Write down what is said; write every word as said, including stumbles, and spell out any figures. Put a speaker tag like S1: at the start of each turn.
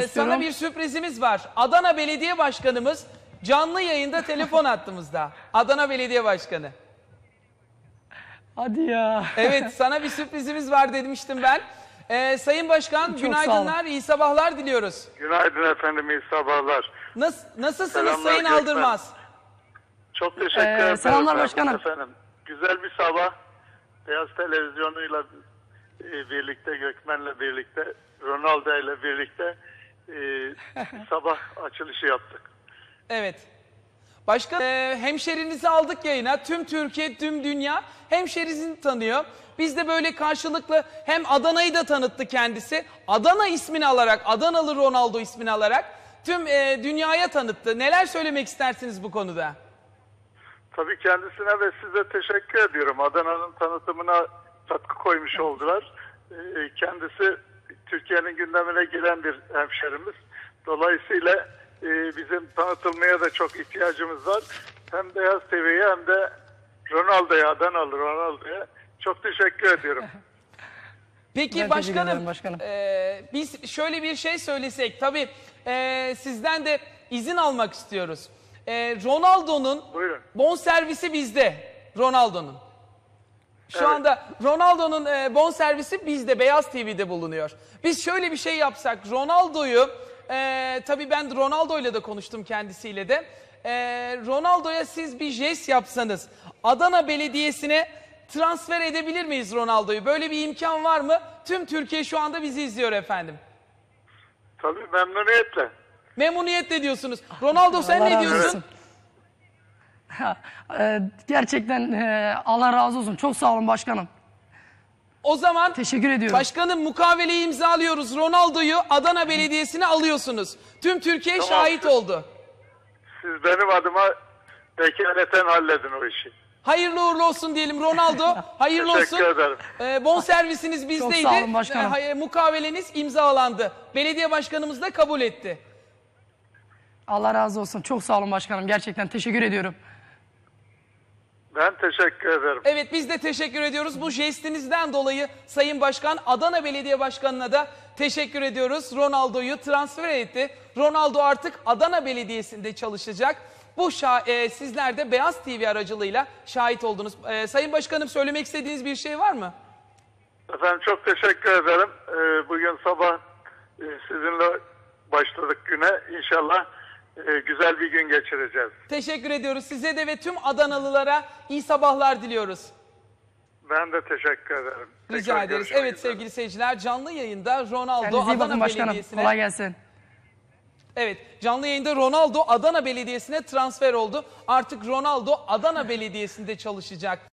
S1: sana bir sürprizimiz var. Adana Belediye Başkanımız canlı yayında telefon attığımızda. Adana Belediye Başkanı.
S2: Hadi ya.
S1: Evet, sana bir sürprizimiz var demiştim ben. Ee, Sayın Başkan,
S2: Çok
S1: günaydınlar, iyi sabahlar diliyoruz.
S3: Günaydın efendim, iyi sabahlar.
S1: Nas nasılsınız
S3: Selamlar
S1: Sayın
S3: Gökmen.
S1: Aldırmaz?
S3: Çok teşekkür
S2: Ee,
S3: ederim.
S2: selamlar başkanım.
S3: Efendim, güzel bir sabah. Beyaz Televizyonu'yla e, birlikte, Gökmen'le birlikte, Ronaldo ile birlikte e, sabah açılışı yaptık.
S1: Evet. Başkan, e, hemşerinizi aldık yayına. Tüm Türkiye, tüm dünya hemşerisini tanıyor. Biz de böyle karşılıklı hem Adana'yı da tanıttı kendisi. Adana ismini alarak, Adanalı Ronaldo ismini alarak tüm e, dünyaya tanıttı. Neler söylemek istersiniz bu konuda?
S3: Tabii kendisine ve size teşekkür ediyorum. Adana'nın tanıtımına katkı koymuş oldular. E, kendisi Türkiye'nin gündemine giren bir hemşerimiz. Dolayısıyla e, bizim tanıtılmaya da çok ihtiyacımız var. Hem Beyaz T V'ye hem de Ronaldo'ya, Adanalı Ronaldo'ya çok teşekkür ediyorum.
S1: Peki
S2: Ben
S1: başkanım,
S2: başkanım.
S1: E, biz şöyle bir şey söylesek, tabii e, sizden de izin almak istiyoruz. E, Ronaldo'nun
S3: Buyurun.
S1: bonservisi bizde, Ronaldo'nun. Şu
S3: Evet.
S1: anda Ronaldo'nun e, bonservisi bizde, Beyaz T V'de bulunuyor. Biz şöyle bir şey yapsak, Ronaldo'yu, e, tabii ben Ronaldo'yla da konuştum kendisiyle de. E, Ronaldo'ya siz bir jest yapsanız, Adana Belediyesi'ne transfer edebilir miyiz Ronaldo'yu? Böyle bir imkan var mı? Tüm Türkiye şu anda bizi izliyor efendim.
S3: Tabii memnuniyetle.
S1: Memnuniyetle diyorsunuz. Ronaldo sen
S2: Allah
S1: ne
S2: razı
S1: diyorsun?
S2: olsun. Ee, gerçekten e, Allah razı olsun. Çok sağ olun başkanım.
S1: O zaman
S2: Teşekkür ediyorum.
S1: başkanım, mukaveleyi imzalıyoruz. Ronaldo'yu Adana Belediyesi'ne alıyorsunuz. Tüm Türkiye
S3: Tamam.
S1: şahit oldu.
S3: Siz benim adıma vekaleten halledin o işi.
S1: Hayırlı uğurlu olsun diyelim Ronaldo. Hayırlı olsun.
S3: Teşekkür ederim.
S1: Ee, bonservisiniz bizdeydi.
S2: sağ olun başkanım.
S1: Ee, hay- mukaveleniz imzalandı. Belediye başkanımız da kabul etti.
S2: Allah razı olsun. Çok sağ olun başkanım. Gerçekten teşekkür ediyorum.
S3: Ben teşekkür ederim.
S1: Evet, biz de teşekkür ediyoruz. Bu jestinizden dolayı Sayın Başkan, Adana Belediye Başkanı'na da teşekkür ediyoruz. Ronaldo'yu transfer etti. Ronaldo artık Adana Belediyesi'nde çalışacak. Bu e, sizler de Beyaz T V aracılığıyla şahit oldunuz. E, Sayın Başkanım, söylemek istediğiniz bir şey var mı?
S3: Efendim çok teşekkür ederim. Ee, bugün sabah e, sizinle başladık güne. İnşallah e, güzel bir gün geçireceğiz.
S1: Teşekkür ediyoruz. Size de ve tüm Adanalılara iyi sabahlar diliyoruz.
S3: Ben de teşekkür ederim.
S1: Rica
S3: Tekrar
S1: ederiz.
S3: görüşmek
S1: Evet
S3: üzere.
S1: sevgili seyirciler, canlı yayında Ronaldo
S2: Kendinize iyi bakın
S1: Adana
S2: başkanım.
S1: Belediyesi'ne...
S2: Kolay gelsin.
S1: Evet, canlı yayında Ronaldo Adana Belediyesi'ne transfer oldu. Artık Ronaldo Adana Belediyesi'nde çalışacak.